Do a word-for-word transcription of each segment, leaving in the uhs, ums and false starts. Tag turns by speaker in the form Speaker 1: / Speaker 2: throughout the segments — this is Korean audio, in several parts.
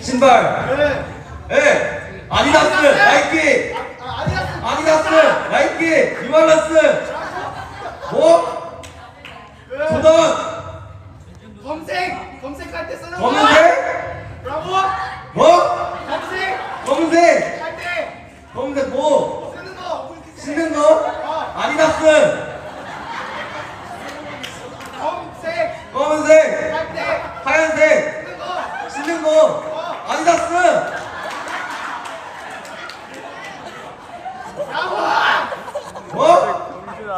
Speaker 1: 신발.
Speaker 2: 네.
Speaker 1: 예. 아디다스, 나이키.
Speaker 2: 아, 아디다스.
Speaker 1: 아디다스, 나이키, 뉴발란스. 뭐?
Speaker 2: 네.
Speaker 1: 조던.
Speaker 2: 검색. 검색할 때 쓰는 거.
Speaker 1: 검은색?
Speaker 2: 브라보.
Speaker 1: 뭐?
Speaker 2: 검색.
Speaker 1: 검은색.
Speaker 2: 할 때.
Speaker 1: 검은색 뭐?
Speaker 2: 쓰는 거.
Speaker 1: 신는 거? 아디다스.
Speaker 2: 검색.
Speaker 1: 검은색.
Speaker 2: 할 때.
Speaker 1: 하얀색.
Speaker 2: 쓰는 거.
Speaker 1: 신는 거. 아디다스.
Speaker 2: 브라보.
Speaker 1: 뭐?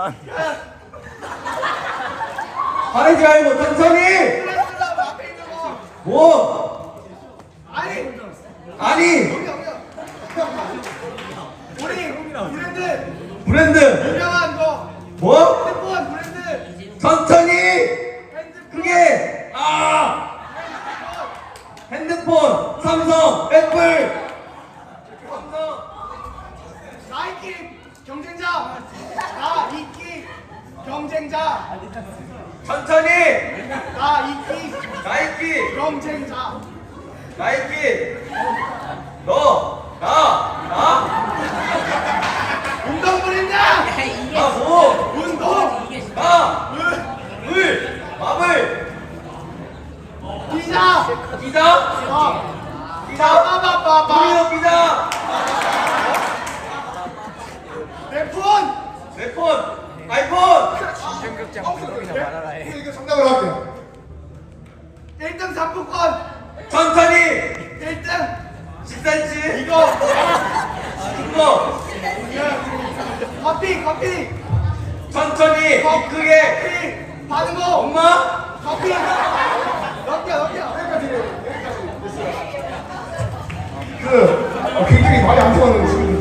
Speaker 1: 화내지 말고 천천히.
Speaker 2: 플래스라고 앞에 있는 거.
Speaker 1: 뭐?
Speaker 2: 아니.
Speaker 1: 아니.
Speaker 2: 여기 여기요. 우리 브랜드.
Speaker 1: 브랜드.
Speaker 2: 유명한 거.
Speaker 1: 뭐?
Speaker 2: 핸드폰 브랜드.
Speaker 1: 천천히.
Speaker 2: 핸드폰.
Speaker 1: 크게. 아. 핸드폰. 삼성. 애플. 삼성.
Speaker 2: 나이키 경쟁자. 나이키 경쟁자.
Speaker 1: 천천히.
Speaker 2: 나이키
Speaker 1: 나이키.
Speaker 2: 경쟁자.
Speaker 1: 나이키. 너. 나. 나.
Speaker 2: 운동 브랜드.
Speaker 1: 나 뭐?
Speaker 2: 운동.
Speaker 1: 나.
Speaker 2: 은.
Speaker 1: 을. 마블.
Speaker 2: 기자.
Speaker 1: 기자.
Speaker 2: 어.
Speaker 1: 기자.
Speaker 2: 빠바바바바.
Speaker 1: 도미노 기자.
Speaker 2: 내 폰.
Speaker 1: 내 폰. 아이폰.
Speaker 2: 이거 정답으로 할게요. 일 등 상품권.
Speaker 1: 천천히.
Speaker 2: 일 등.
Speaker 1: 십 센티미터.
Speaker 2: 이거.
Speaker 1: 이거.
Speaker 2: 커피 커피.
Speaker 1: 천천히.
Speaker 2: 커피.
Speaker 1: 크게.
Speaker 2: 받은 거.
Speaker 1: 엄마.
Speaker 2: 커피. 넘겨 넘겨.
Speaker 3: 그 어, 굉장히 말이 안 통하는 친구